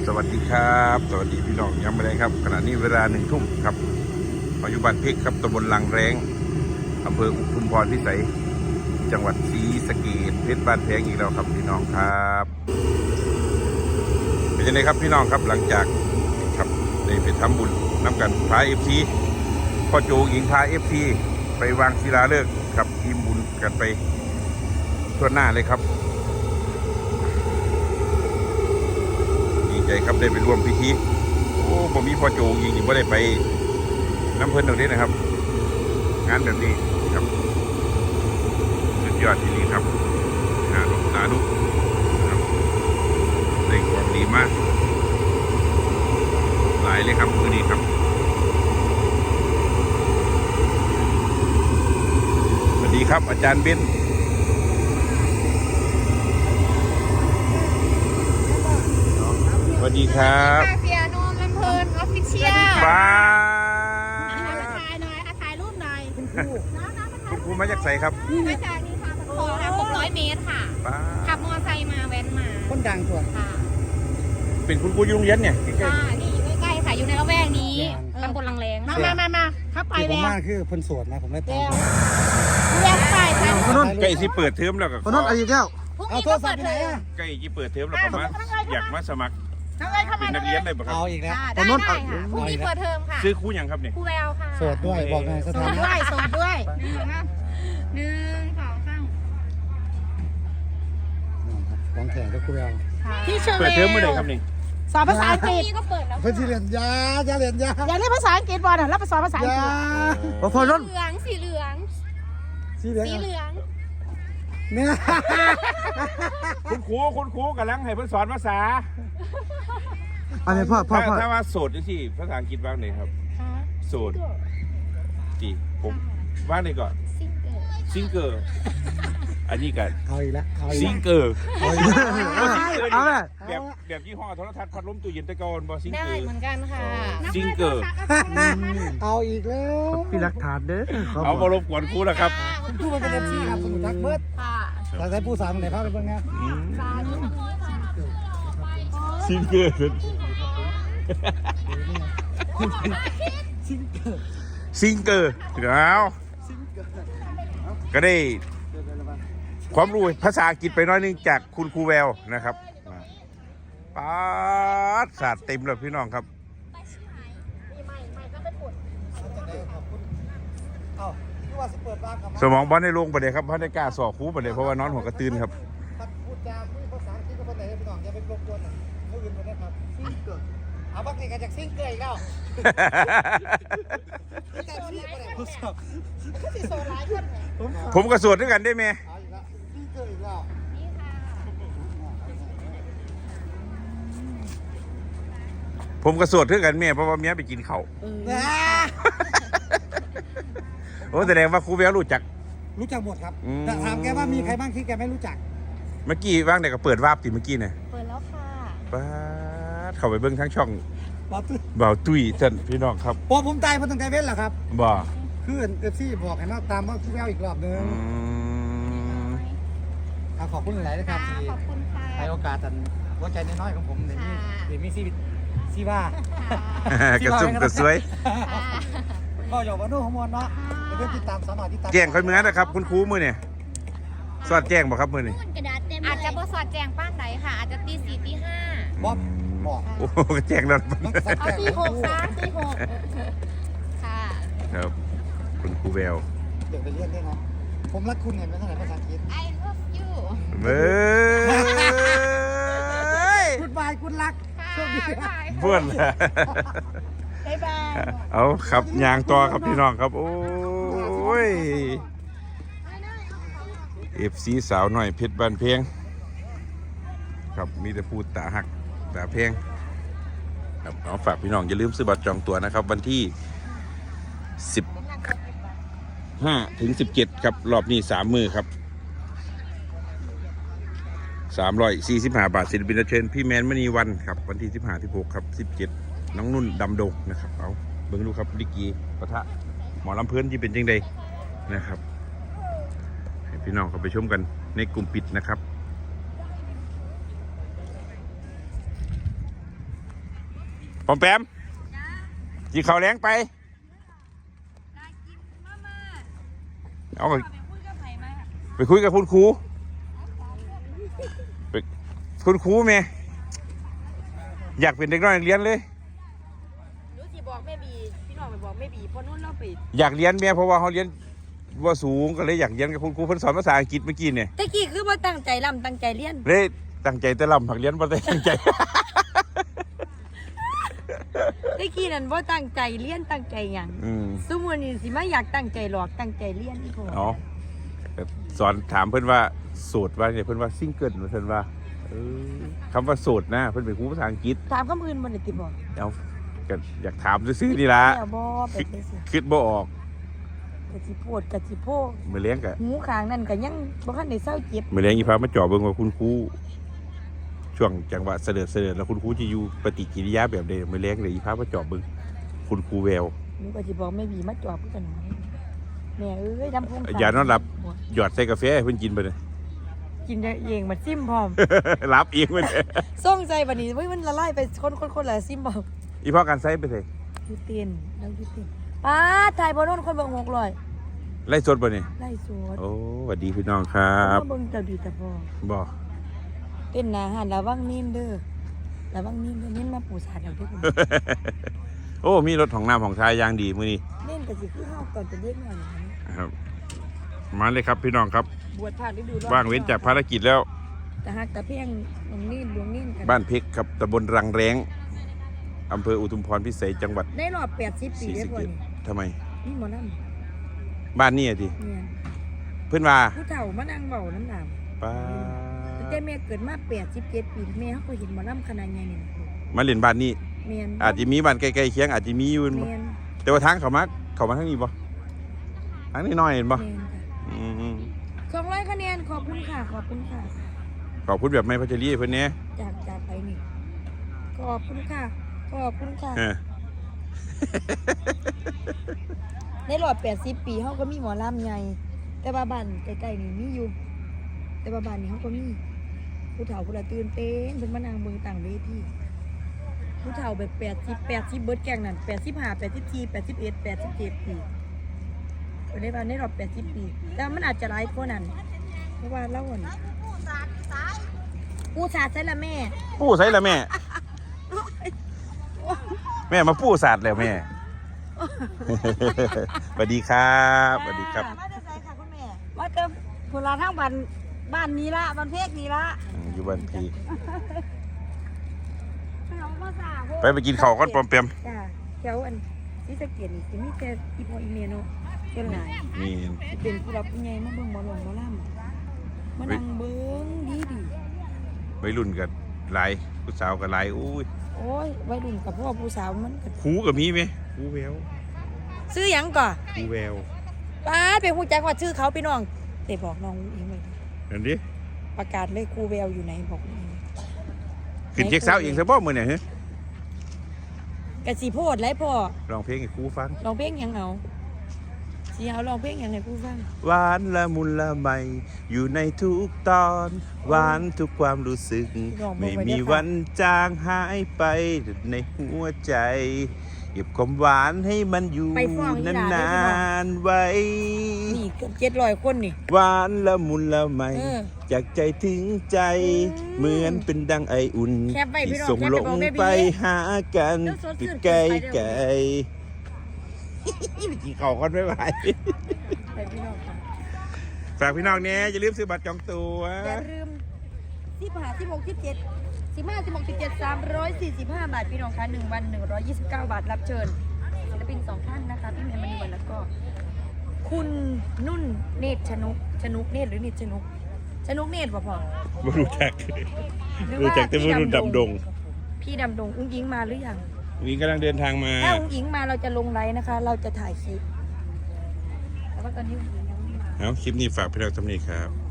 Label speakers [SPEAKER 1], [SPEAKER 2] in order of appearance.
[SPEAKER 1] สวัสดีครับสวัสดีพี่น้องย้ำไปเลยครับขณะนี้เวลา1 ทุ่มครับปัจจุบันเพชรครับตำบลลังแรงอำเภออุทุมพรพิสัยจังหวัดศรีสะเกษเพชรบ้านแพงอีกแล้วครับพี่น้องครับเป็นยังไงครับพี่น้องครับหลังจากครับได้ไปทำบุญน้ำกันพาFCพ่อโจหญิงพาFCไปวางศิลาฤกษ์ครับทีมบุญกันไปทั่วหน้าเลยครับดีใจครับได้ไปร่วมพิธีโอ้ผมมีพ่อโจหญิงนี่ไม่ได้ไปน้ำเพลินตรงนี้นะครับงานแบบนี้ครับสุดยอดที่นี่ครับสาธุครับได้ความดีมากหลายเลยครับมือนี้ครับสวัสดีครับอาจารย์เบนสวัสดีครับ
[SPEAKER 2] เปียโนลำเพลินออฟฟิเชียล
[SPEAKER 1] ป้า
[SPEAKER 2] ถ่ายหน่อยถ่ายรูปหน่อยคุณครู
[SPEAKER 1] คุณครูมาจากไสครับ
[SPEAKER 2] มาจากนี่ค่ะขอค่ะ600 เมตรค่ะ
[SPEAKER 1] ป้า
[SPEAKER 2] ขับมอเตอร์ไซค์มาแว้นมา
[SPEAKER 3] คนดังตัว
[SPEAKER 2] ค่ะ
[SPEAKER 1] เป็นคุณครูอยู่โรงเรียนเนี่ยใกล้
[SPEAKER 2] ค่ะนี่อยู่ใกล้ๆค่ะอยู่ในละแวกนี้ตำบลลังแรงมาเข้าไป
[SPEAKER 3] ที่ผม
[SPEAKER 2] แล้ว
[SPEAKER 3] มาคือคนโสดนะผมได้ตาม
[SPEAKER 2] แวกไปค่ะ
[SPEAKER 1] ใกล้ที่เปิดเทอมแล้วก็
[SPEAKER 3] คนนั้นอายุเท่า
[SPEAKER 2] พรุ่ง
[SPEAKER 3] เอา
[SPEAKER 2] นี้
[SPEAKER 3] โท
[SPEAKER 2] ก็
[SPEAKER 3] รศั
[SPEAKER 2] เปิ
[SPEAKER 3] พ
[SPEAKER 2] ด
[SPEAKER 3] ท์ไป
[SPEAKER 2] เท
[SPEAKER 3] ไหน
[SPEAKER 2] อม
[SPEAKER 3] อ่ะ
[SPEAKER 1] ใกล้ที่เปิดเทอมแล้วก็มาอยากมาสมัคร
[SPEAKER 2] ทั้งเลยเข้า
[SPEAKER 1] เป็
[SPEAKER 2] มาน
[SPEAKER 1] นักเรียนเลยป่ะครับ
[SPEAKER 3] เอาอีกแล้ว
[SPEAKER 2] ได้ค่ะพรุ่งนี้เปิดเทอมค่ะ
[SPEAKER 1] ซื้อครูยังครับเนี่ย
[SPEAKER 2] ครูแววค่ะ
[SPEAKER 3] โสดด้วยบอกหน่อยส
[SPEAKER 2] โส
[SPEAKER 3] ถา
[SPEAKER 2] ด
[SPEAKER 3] นะ
[SPEAKER 2] ด้วยโสดด้วย1 2 3
[SPEAKER 3] วางแขนก็คุยเอา
[SPEAKER 2] ที่เชอร์
[SPEAKER 1] เปิดเทอมเมื่อไหร่ครับนี่
[SPEAKER 2] สอนภาษาอังกฤษก็เปิดแล้ว
[SPEAKER 3] เพื่อนที่เรียนยาเรียนยา
[SPEAKER 2] อยากเรียนภาษาอังกฤษบอลแล้วไปสอนภาษาอังกฤษ
[SPEAKER 3] พอรุ่น
[SPEAKER 2] เหลืองสีเหลือง
[SPEAKER 3] สีเหลือง
[SPEAKER 2] สีเหลือง
[SPEAKER 3] เนี่ย
[SPEAKER 1] คุณครูกำลังให้เพิ่นสอนภาษา
[SPEAKER 3] อันนี้พ่อ
[SPEAKER 1] ถ้าว่าโสดที่ภาษาอังกฤษว่างไหนครับโสดจีผมว่างไหนก่อนซิงเกอร์อันนี้กัน
[SPEAKER 3] เอาอีกแล้วเอาอีก
[SPEAKER 1] ซิงเกอร์
[SPEAKER 3] เอาอีกแล้วเอาเลย
[SPEAKER 1] แบบยี่ห้อโทรทัศน์พัดลมตู้เย็นตะกอนบอซิง
[SPEAKER 2] ได้
[SPEAKER 1] เกอร์
[SPEAKER 2] เหมือนกันค่ะ
[SPEAKER 1] ซิงเกอร์
[SPEAKER 3] เอาอีกแล้วพี่รักฐานเด้อ
[SPEAKER 1] เอามารบกวนครูแล้วครับ
[SPEAKER 3] พูดมันเป็นเอฟซีครับสมุทรทักเบิร์ด
[SPEAKER 2] ค่ะ
[SPEAKER 3] เราใช้ผู้สาวไหนพาไปเบิ่งไง
[SPEAKER 2] สาธุ
[SPEAKER 1] ซิงเกอร์ซิงเกอร์แล้วก็ได้ความรู้ภาษาอังกฤษไปน้อยนึงจากคุณครูแววนะครับป๊าดศาสตร์เต็มเลยพี่น้องครับ
[SPEAKER 3] เอาที่ว่าจะเปิดบ้านกับ
[SPEAKER 1] สมองบอลในโรงประเดี๋ยวครับเพราะได้กล้าสอบครูประเดี๋ยวเพราะว่านอนหัวกระตือนครับ
[SPEAKER 3] พูดจาพูดภาษาอังกฤษกับคนไหนพี่น้องอย่าไปรบกวนเขาอื่นคนนะครับซิงเกิลเอาบักนี่กันจากซิงเกิลอีกแล้วแต่ที่คนไหนทดสอบ
[SPEAKER 2] ที่โซนร้ายคนเนี่ย
[SPEAKER 1] ผมกระสวดด้วยกันได้ไหม
[SPEAKER 3] เอาอีกแล้วซิงเกิลอีกแล้ว
[SPEAKER 2] นี่ค่ะ
[SPEAKER 1] ผมกระสวดด้วยกันเมียเพราะว่าเมียไปกินเขาวโอ้แสดงว่าครูแววรู้จัก
[SPEAKER 3] รู้จักหมดครับแต่ถามแกว่ามีใครบ้างที่แกไม่รู้จัก
[SPEAKER 1] เมื่อกี้ว่างแต่ก็เปิดวาบติเมื่อกี้เนี่ย
[SPEAKER 2] เปิดแล้วค่ะ
[SPEAKER 1] ป๊าดเข้าไปเบิ้งทั้งช่อง
[SPEAKER 3] บอกตื้อ
[SPEAKER 1] บ่าวตุ้ยท่านพี่น้องครับ
[SPEAKER 3] พอผมตายผมต้องใจเว้นเหรอครับ
[SPEAKER 1] บ่
[SPEAKER 3] คือเอฟซีบอกให้มาตามว่าพี่แววอีกรอบนึงขอบคุณหลายๆนะครับที่
[SPEAKER 2] ขอบคุณค่ะ
[SPEAKER 3] ให้โอกาสอันหัวใจน้อยๆของผมในนี้เดี๋ยวมีซีว่าก
[SPEAKER 1] ระซุ่มกระซวย
[SPEAKER 3] ก็อย่าว่าโน้ของมวลเนาะเดี๋ยวติดตามสาวหน่อยติดตาม
[SPEAKER 1] แจ้งค่อยมือนะครับคุณครูมือเนี่ยสอดแจ้งบ่ครับมือนี่
[SPEAKER 2] อาจจะบสอดแจงป้านไหนค่ะ อาจจะตี 4 ตี 5
[SPEAKER 3] บอกบอก
[SPEAKER 1] โอ้แจ้งแล้ว
[SPEAKER 2] เอาตี 6 3 ตี 6ค่ะ
[SPEAKER 1] ครับคุณครูแวว
[SPEAKER 3] เดี๋ยวไปเรียนได้นะผมรักคุณเห็นไหมเท่าไหร่ภาษาอังกฤษ
[SPEAKER 2] I love you
[SPEAKER 1] เบ้ย
[SPEAKER 3] กุดบายกุดรัก
[SPEAKER 2] ค่ะ
[SPEAKER 3] โชคดี
[SPEAKER 2] บ๊ายบาย
[SPEAKER 1] บ้วน
[SPEAKER 2] บ๊ายบาย
[SPEAKER 1] เอาครับยางต่อครับพี่น้องครับโอ้ยเอฟซีสาวหน่อยเพชรบ้านเพียงครับมีแต่พูดตาหักตาเพียงครับเอาฝากพี่น้องอย่าลืมซื้อบัตรจองตั๋วนะครับวันที่15 ถึง 17ครับรอบนี้3 มือครับ345 บาทศิลปินรับเชิญพี่แมนมณีวันครับวันที่15 16ครับ17น้องนุ่นดำดงนะครับเอาเบิ่งดูครับลิกีปะทะหมอลำเพื่อนที่เป็นจังใดนะครับให้พี่น้องเข้าไปชมกันในกลุ่มปิดนะครับปอมแปมกินข้าวแรงไปเอาไปคุยกับคุณครูไปคุณครูแม่อยากเป็นเด็กน้อยเรียนเลย
[SPEAKER 4] รู้สิบอกแม่บีพี่น้องไปบอกแม่บีเพราะนู้นเราไป
[SPEAKER 1] อยากเรียนแม่เพราะว่าเขาเรียนว่าสูงก็เลยอยากเรียนกับคุณครูเพิ่นสอนภาษาอังกฤษเมื่อกี้เนี่ย
[SPEAKER 4] ตะกี้คือว่าตั้งใจลำตั้งใจเรียน
[SPEAKER 1] เลยตั้งใจแต่ลำผักเรียนบ่ได้ตั้งใจ
[SPEAKER 4] ตะกี้นั่นว่าตั้งใจเรียนตั้งใจหยัง สมมุตินี่สิมาอยากตั้งใจหลอกตั้งใจเรียนอีกคน
[SPEAKER 1] เอาสอนถามเพื่อนว่าโสดว่าเนี่ยเพื่อนว่าซิงเกิลเพื่อนว่าคำว่าโสดนะเพื่อนเป็นครูภาษาอังกฤษ
[SPEAKER 4] ถามคำอื่นบ่ได้ติบอก
[SPEAKER 1] เอาก็อยากถามซื่อๆนี่ละ
[SPEAKER 4] แล้วบ่เป็นไปสิ
[SPEAKER 1] คิดบ่ออก
[SPEAKER 4] กะสิโพดกะสิโพ
[SPEAKER 1] มือเลี้ยงกะ
[SPEAKER 4] หูข้างนั่นก็ยังบ่ทันได้เศร้าเจ็บ
[SPEAKER 1] มือเลี้ยงอีพามาจ่อเบิ่งว่าคุณครูช่วงจังหวะเสด็จแล้วคุณครูจะอยู่ปฏิกิริยาแบบใดมือเลี้ยงเลยอีพามาจ่อเบิ่งคุณครูแวว
[SPEAKER 4] หนูก็สิบอกแม่บีมาจอบกันหน่อยแม่เอ้ยดำพง
[SPEAKER 1] อย่านอนหลับหยอดใส่กาแฟให้เพิ่นกินไปเลย
[SPEAKER 4] กินได้เองมาซิมพร้อม
[SPEAKER 1] รับเองไปเลย
[SPEAKER 4] ส่งใจบัดนี้เฮ้ยมันละลายไปคนละซิมบ่
[SPEAKER 1] อีพ่อการใส่ไปเลย
[SPEAKER 4] อยู่เตียนแล้วอยู่เตียนป้าถ่ายบ่โน่นคนเบิ่ง600
[SPEAKER 1] ไล่สดบ่นี่
[SPEAKER 4] ไล่สวด
[SPEAKER 1] โอ้สวัสดีพี่น้องครับ
[SPEAKER 4] เบิ่งเจ้าดีแต่พอ
[SPEAKER 1] บ่
[SPEAKER 4] เต้นหนาหันระวังนิ่นเด้อระวังนิ่นเด้อนิ่นมาปูสาดเอาเด้อ
[SPEAKER 1] โอ้มีรถของน้ำของชายอย่างดีมื้อนี้
[SPEAKER 4] เล่นก็สิคือเฮาตอนเป็นเด็กน้อยนี่
[SPEAKER 1] ครับมาเลยครับพี่น้องครับ
[SPEAKER 4] บวชผ่านฤดูร้อน
[SPEAKER 1] ว่างเว้นจากภารกิจแล้ว
[SPEAKER 4] แต่ฮักแต่เพียงน้องนิ่นดวงนิ่นกัน
[SPEAKER 1] บ้านเพชรครับตำบลรังแรงอำเภออุทุมพรพิเศษจังหวัด
[SPEAKER 4] ในรอบ80 ปี
[SPEAKER 1] ศรี
[SPEAKER 4] ได้
[SPEAKER 1] สะ
[SPEAKER 4] บ่
[SPEAKER 1] เกษ
[SPEAKER 4] นี่
[SPEAKER 1] ทำไม
[SPEAKER 4] นี่หมอลำ
[SPEAKER 1] บ้านนี่อะที
[SPEAKER 4] เนี่ย
[SPEAKER 1] เพื่อนว่า
[SPEAKER 4] ผู้เฒ่ามานั่งเว้าน้ำหนาม
[SPEAKER 1] ป้า
[SPEAKER 4] แต่แม่เกิดมา87 ปีแม่เฮาก็เห็นหมอลำขนาดใหญ่นี่
[SPEAKER 1] มาเล่นบ้านนี้
[SPEAKER 4] แม่น
[SPEAKER 1] อาจจะมีบ้านใกล้ๆเคียงอาจจะมีอยู่
[SPEAKER 4] แม่น
[SPEAKER 1] แต่ว่าทางเขามาทางนี้บ่ทางนี้น้อยเห็นบ่
[SPEAKER 4] แม่นค่ะ
[SPEAKER 1] อืม
[SPEAKER 4] 200คะแนนขอบคุณค่ะขอบคุณค่ะ
[SPEAKER 1] ขอบคุณแบบไม่พัชรีเพื่อนเนี้ย
[SPEAKER 4] จากไปนี่ขอบคุณค่ะขอบคุณค่ะ
[SPEAKER 1] เออ
[SPEAKER 4] ในรอบ80 ปีเขาก็มีหมอลำใหญ่แต่ว่าบ้านใกล้ๆนี่มีอยู่ แต่ว่าบ้านนี้เขาก็มีผู้เฒ่าผู้ละตื่นเต้นเป็นมานางเบิ่งต่างเวทีผู้เฒ่าแบบ80เบิดแกงนั่น85 84 81 87 ปีก็ได้ว่าในรอบ80 ปีแต่มันอาจจะหลายกว่านั้นเพราะว่าเล่าอ่ะผู้ชาติใช่ละแม่
[SPEAKER 1] ปู้ใส่ละแม่ แม่มาปู้ศาสตร์แล้วแม่ สวัสดีครับสวัสดีครับ
[SPEAKER 4] มาจะใส่ค่ะคุณแม่ว่าจะผลาทั้งบ้านนี้ละบ้านเพกนี้ละ
[SPEAKER 1] อยู่บ้านพี่
[SPEAKER 4] น้องมาสา
[SPEAKER 1] ไปกินข้าวก่อนปอมเปียม
[SPEAKER 4] จ้าแถวอันที่สะเกียดนี่จะมีแต่อีพออีเมเนาะเจ้าหน่าย
[SPEAKER 1] นี่
[SPEAKER 4] เป็นผู้รับผู้ใหญ่มาเบิ่งหมอลงหมอลำมานั่งเบิ่งดี
[SPEAKER 1] วัยรุ่นกับหลายผู้สาวกับหลายอุ้ย
[SPEAKER 4] โอ้ยวัยรุ่นกับพ่อผู้สาวมันก็
[SPEAKER 1] ครูกับมีไหมครูแวว
[SPEAKER 4] ซื้อหยังก่อน
[SPEAKER 1] ครูแวว
[SPEAKER 4] ป้าไปฮู้จักว่าชื่อเขาพี่น้องแต่บอกน้องอิงไว้
[SPEAKER 1] นั่นดิ
[SPEAKER 4] ประกาศเลยครูแววอยู่ไหนบอกอิง
[SPEAKER 1] ขึ้นเช็คเช้าเองซะบ่มื้อเนี่ยฮะ
[SPEAKER 4] กะสิโพดไรพ่อ
[SPEAKER 1] ร้องเพลงให้ครูฟัง
[SPEAKER 4] ร้องเพลงหยังเอาสิเอาร้องเพลงหยังให้ครูฟัง
[SPEAKER 1] หวานละมุนละไมอยู่ในทุกตอนหวานทุกความรู้สึก ไม่มีวันจางหายไปในหัวใจเก็บความหวานให้มันอยู่นานๆไว้
[SPEAKER 4] นี่เกือบ700คนนี่
[SPEAKER 1] หวานละมุนละไม
[SPEAKER 4] เออ
[SPEAKER 1] จากใจถึงใจ เหมือนเป็นดังไออุ่น
[SPEAKER 4] แคปไว้พี่
[SPEAKER 1] ที่
[SPEAKER 4] น้อง
[SPEAKER 1] ส่ง
[SPEAKER 4] แคป
[SPEAKER 1] ล
[SPEAKER 4] ไป
[SPEAKER 1] ง
[SPEAKER 4] บอกแม่บี
[SPEAKER 1] ไปหากัน
[SPEAKER 4] เดี๋ยวสดชื่
[SPEAKER 1] ติด
[SPEAKER 4] น
[SPEAKER 1] ไกล
[SPEAKER 4] ขึ้นไปเด้อ
[SPEAKER 1] ไกลกี่เข่ากันไม่ไหว
[SPEAKER 4] ไปพี่น้องค่ะ
[SPEAKER 1] ฝากพี่น้องเนี่ยอย่าลืมซื้อบัตรจองตัว
[SPEAKER 4] อย่าลืม15 16 17 15 16 17 345 บาทพี่น้องคะ1วัน129 บาทรับเชิญศิลปิน2ท่านนะคะพี่เมย์มณีวันแล้วก็ คุณนุ่นเนตรชนุกเนตรหรือเนตรชนุกเนตรป่ะพ่อ
[SPEAKER 1] ไม่รู้จัก
[SPEAKER 4] หรือ
[SPEAKER 1] รู้
[SPEAKER 4] ว่า
[SPEAKER 1] จักแต่ไม่รู้ดำดง
[SPEAKER 4] พี่ดำดงอุ้งอิงมาหรือยัง
[SPEAKER 1] นี่กำลังเดินทางมา
[SPEAKER 4] ถ้าอุ้งอิงมาเราจะลงไลน์นะคะ เราจะถ่ายคลิปแต่ว่าตอนนี้อุ้งอิงยังไม่มา
[SPEAKER 1] เอาคลิปนี้ฝากพี่น้องทำนี้ครับ